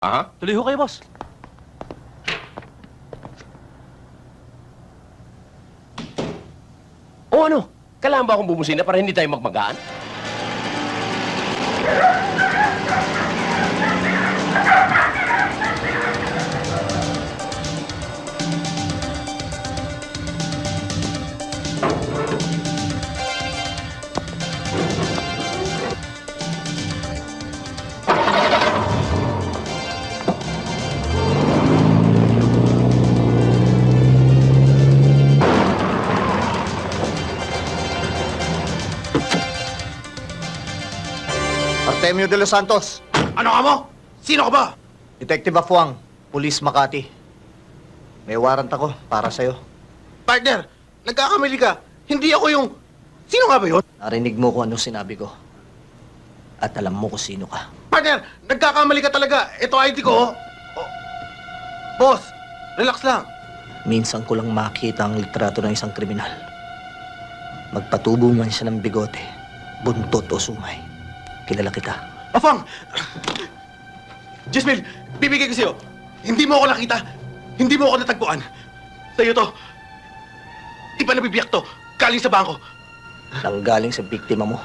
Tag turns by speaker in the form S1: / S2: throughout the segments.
S1: Aha?
S2: Tuloy ho kayo, boss.
S1: O ano? Kailangan ba akong bumusina para hindi tayo magmagaan?
S3: Artemio de los Santos,
S4: Ano ka mo? Sino ka ba?
S3: Detective Afuang, Police Makati. May warrant ako para sa'yo.
S4: Partner, nagkakamali ka. Hindi ako yung... Sino nga ba yun?
S3: Narinig mo kung ano sinabi ko. At alam mo kung sino ka.
S4: Partner, nagkakamali ka talaga. Ito ID ko, oh. Oh. Boss, relax lang.
S3: Minsan ko lang makita ang litrato ng isang kriminal. Magpatubo man siya ng bigote, buntot o sungay. Kilala kita.
S4: Afang! Jasmine, bibigay ko sa'yo. Hindi mo ako nakita. Hindi mo ako natagpuan. Sa'yo to. Di pa nabibiyak to. Galing sa bangko.
S3: Nanggaling sa biktima mo.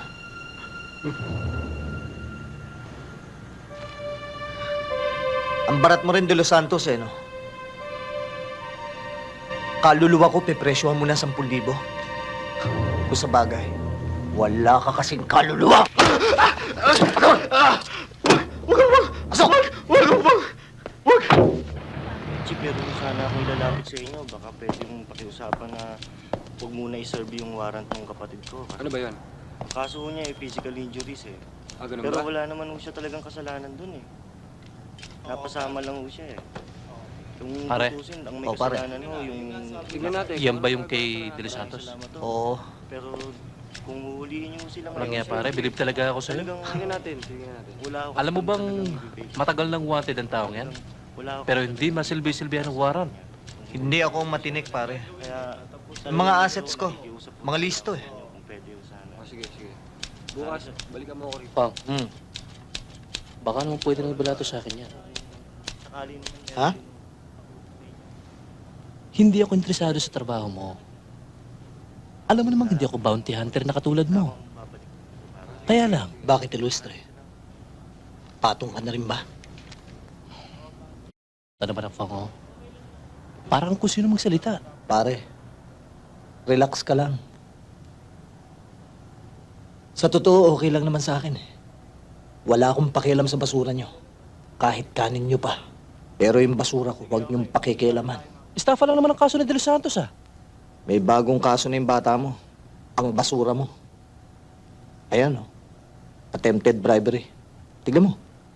S3: Ang barat mo rin de los Santos no? Kaluluwa ko, pepresyohan mo na 10,000. Kung sa bagay, wala ka kasing kaluluwa! Asok!
S4: Wag!
S5: Chief, meron sana akong ilalapit sa inyo. Baka pwede mong pakiusapan na huwag muna i-serve yung warrant ng kapatid ko.
S6: Ano ba yun?
S5: Ang kaso ho niya ay physical injuries eh.
S6: Ganun
S5: Pero
S6: ba?
S5: wala naman ho siya talagang kasalanan dun eh. Napasama lang ho siya eh. Kung
S2: Pare.
S5: tutusin, ang may
S3: Oh, pare.
S5: kasalanan ho yung...
S6: Tignan natin.
S2: Yan ba yung kay De Los Santos?
S5: Salamat ho.
S3: Oo.
S5: Pero kung huhulihin niyo ho sila
S2: Parang nga pare, believe talaga ako sa'yo.
S6: Tignan natin, tignan natin.
S5: Wala ho.
S2: Alam mo bang matagal nang wanted ang taong yan?
S5: Wala ho.
S2: Pero hindi masilbi-silbihan ng warrant.
S3: Hindi ako matinik, pare.
S5: Kaya...
S3: Yung mga assets ko, mga listo eh.
S5: Kung pwede ho sana.
S6: Sige. Bukas, balikan mo ako rito.
S2: Pang, baka naman pwede nang ibalato sa akin yan.
S5: Sakali naman yan.
S3: Ha?
S2: Hindi ako interesado sa trabaho mo. Alam mo namang hindi ako bounty hunter na katulad mo. Kaya lang,
S3: Bakit ilustre? Patong ka na rin ba?
S2: ano ba ng fango? Parang kung sino magsalita.
S3: Pare, relax ka lang. Sa totoo, okay lang naman sa akin eh. Wala akong pakialam sa basura nyo. Kahit kanin nyo pa. Pero yung basura ko, huwag nyong pakikialaman.
S2: Estafa lang naman ang kaso ni De Los Santos ah.
S3: May bagong kaso na yung bata mo. Ang basura mo. Ayan oh. Attempted bribery. Tignan mo.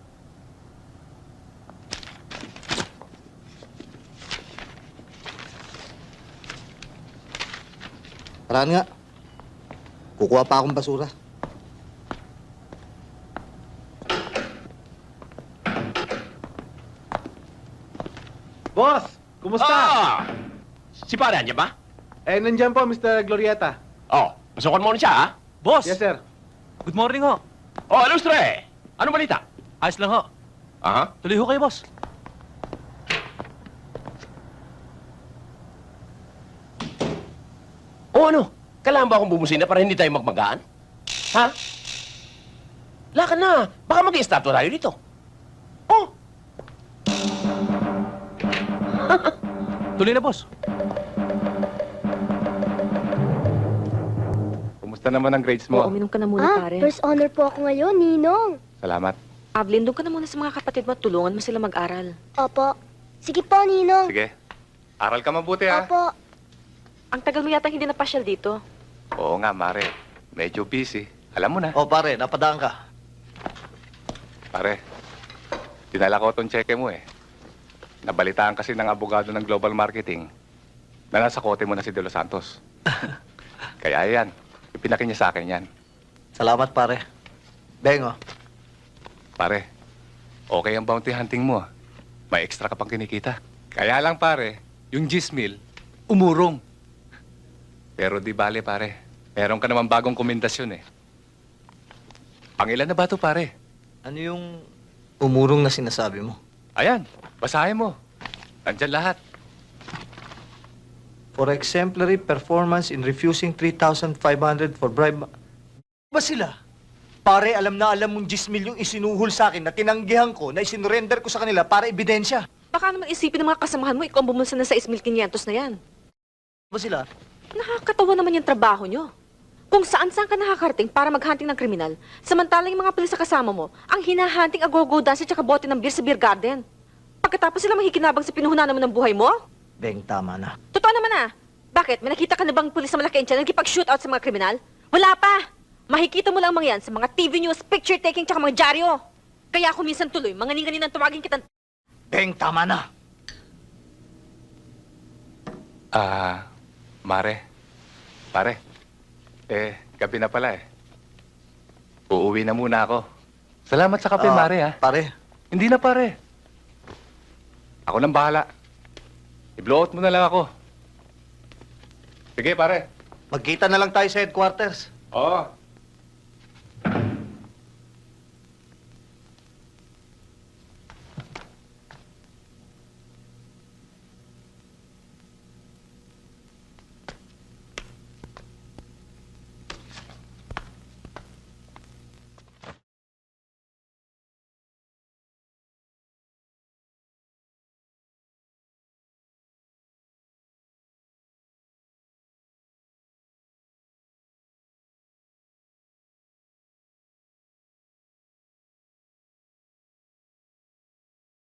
S3: Paraan nga. Kukuha pa akong basura.
S4: Boss, kumusta?
S1: Si pare, andyan ba?
S4: Nandyan po, Mr. Glorieta.
S1: Oh, pasukan mo na siya, ha?
S2: Boss!
S4: Yes, sir.
S2: Good morning ho.
S1: Oh, Lustre! Ano balita?
S2: Ayos lang ho.
S1: Aha?
S2: Tuloy ho kayo, boss.
S1: O ano? Kailangan ba akong bumusina para hindi tayo magmagaan? Ha? Lakad na. Baka mag-i-statue tayo dito. Oh!
S2: Tuloy na, boss.
S6: Kumusta naman ang grades mo?
S7: Uminom ka na muna, pare.
S8: First honor po ako ngayon, Ninong.
S6: Salamat.
S7: Ablin, doon ka na muna sa mga kapatid mo at tulungan mo sila mag-aral.
S8: Opo. Sige po, Ninong.
S6: Sige. Aral ka mabuti ha.
S8: Opo.
S7: Ang tagal mo yata hindi napasyal dito.
S6: Oo nga, Mare. Medyo busy. Alam mo na.
S3: Oh pare, napadaan ka.
S6: Pare, dinala ko tong cheque mo eh. Nabalitaan kasi ng abogado ng Global Marketing na nasa kote mo na si De Los Santos. Kaya yan, ipinaki niya sa akin yan.
S3: Salamat pare. Bengo.
S6: Pare, okay ang bounty hunting mo. May extra ka pang kinikita. Kaya lang pare, yung Gismil, umurong. Pero di bale pare, meron ka naman bagong komendasyon eh. Pangilan na ba to pare?
S3: Ano yung umurong na sinasabi mo?
S6: Ayan, basahin mo. Nandyan lahat.
S3: For exemplary performance in refusing 3,500 for bribe... Ba sila? Pare, alam na alam mong 10 yung isinuhol sa akin na tinanggihan ko, na isinurrender ko sa kanila para ebidensya.
S7: Baka naman isipin ng mga kasamahan mo, ikaw ang bumulsa na 6,500 na yan.
S3: Ba sila?
S7: Nakakatawa naman yung trabaho nyo. Kung saan-saan ka nakakarating para maghunting ng kriminal, samantalang yung mga pulis sa kasama mo, ang hinahunting agogo dance at saka bote ng beer sa beer garden. Pagkatapos sila makikinabang sa pinuhunan naman ng buhay mo?
S3: Beng, tama na.
S7: Totoo naman ah. Bakit? May nakita ka na bang pulis sa malaki na nagkipag-shootout sa mga kriminal? Wala pa! Makikita mo lang mga yan sa mga TV news, picture taking, tsaka mga dyaryo. Kaya ako minsan tuloy, manganing-ganin ang tawagin kitang...
S3: Beng, tama na.
S6: Mare. Pare. Gabi na pala eh. Uuwi na muna ako. Salamat sa kape, Mare, ha?
S3: Pare,
S6: Hindi na, pare. Ako nang bahala. I-blow out mo na lang ako. Sige, pare.
S3: magkita na lang tayo sa headquarters.
S6: Oo.